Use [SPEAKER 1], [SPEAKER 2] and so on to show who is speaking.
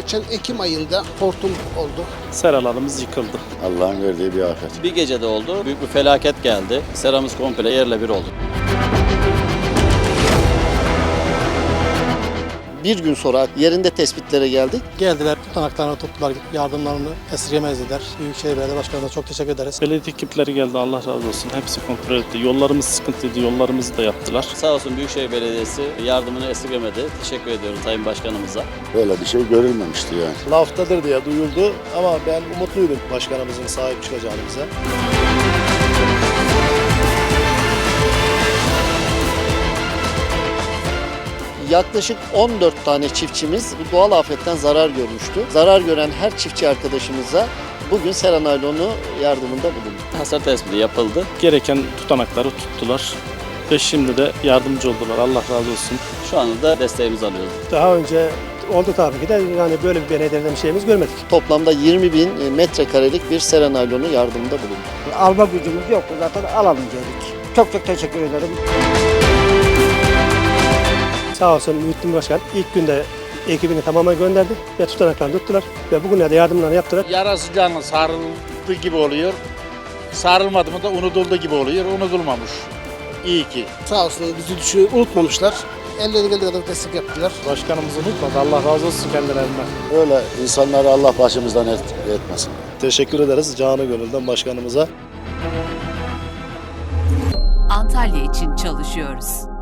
[SPEAKER 1] geçen Ekim ayında hortum oldu.
[SPEAKER 2] Seralarımız yıkıldı.
[SPEAKER 3] Allah'ın verdiği bir afet.
[SPEAKER 4] Bir gecede oldu. Büyük bir felaket geldi. Seramız komple yerle bir oldu.
[SPEAKER 5] Bir gün sonra yerinde tespitlere geldik.
[SPEAKER 6] Geldiler, tutanaklarını tuttular, yardımlarını esirgemezdiler. Büyükşehir Belediye Başkanı'na çok teşekkür ederiz.
[SPEAKER 2] Belediye ekipleri geldi, Allah razı olsun. Hepsi kontrol etti. Yollarımız sıkıntıydı, yollarımızı da yaptılar.
[SPEAKER 4] Sağ olsun Büyükşehir Belediyesi yardımını esirgemedi. Teşekkür ediyorum Sayın Başkanımıza.
[SPEAKER 3] Böyle bir şey görülmemişti yani.
[SPEAKER 7] Laftadır diye duyuldu ama ben umutluydum başkanımızın sahip çıkacağını bize.
[SPEAKER 5] Yaklaşık 14 tane çiftçimiz bu doğal afetten zarar görmüştü. Zarar gören her çiftçi arkadaşımıza bugün Sera Naylonu yardımında bulunduk.
[SPEAKER 4] Hasar tespiti yapıldı.
[SPEAKER 2] Gereken tutanakları tuttular ve şimdi de yardımcı oldular. Allah razı olsun.
[SPEAKER 4] Şu anda da desteğimizi alıyoruz.
[SPEAKER 6] Daha önce oldu tabii ki de yani böyle bir belediyeden bir şeyimiz görmedik.
[SPEAKER 5] Toplamda 20.000 metrekarelik bir Sera Naylonu yardımında bulunduk.
[SPEAKER 8] Alma gücümüz yoktu zaten alalım dedik. Çok çok teşekkür ederim.
[SPEAKER 6] Sağ olsun Muhittin Başkan ilk günde ekibini tamamen gönderdi ve tutanaklarını tuttular ve bugünlerde yardımlarını yaptılar.
[SPEAKER 9] Yarası canı sarıldı gibi oluyor. Sarılmadı mı da unutuldu gibi oluyor. Unutulmamış. İyi ki.
[SPEAKER 1] Sağ olsun bizi unutmamışlar. Elleri geldiği kadar destek yaptılar.
[SPEAKER 2] Başkanımızı unutmadı. Allah razı olsun kendilerinden.
[SPEAKER 3] Öyle insanları Allah başımızdan etmesin.
[SPEAKER 7] Teşekkür ederiz canı gönülden başkanımıza.
[SPEAKER 10] Antalya için çalışıyoruz.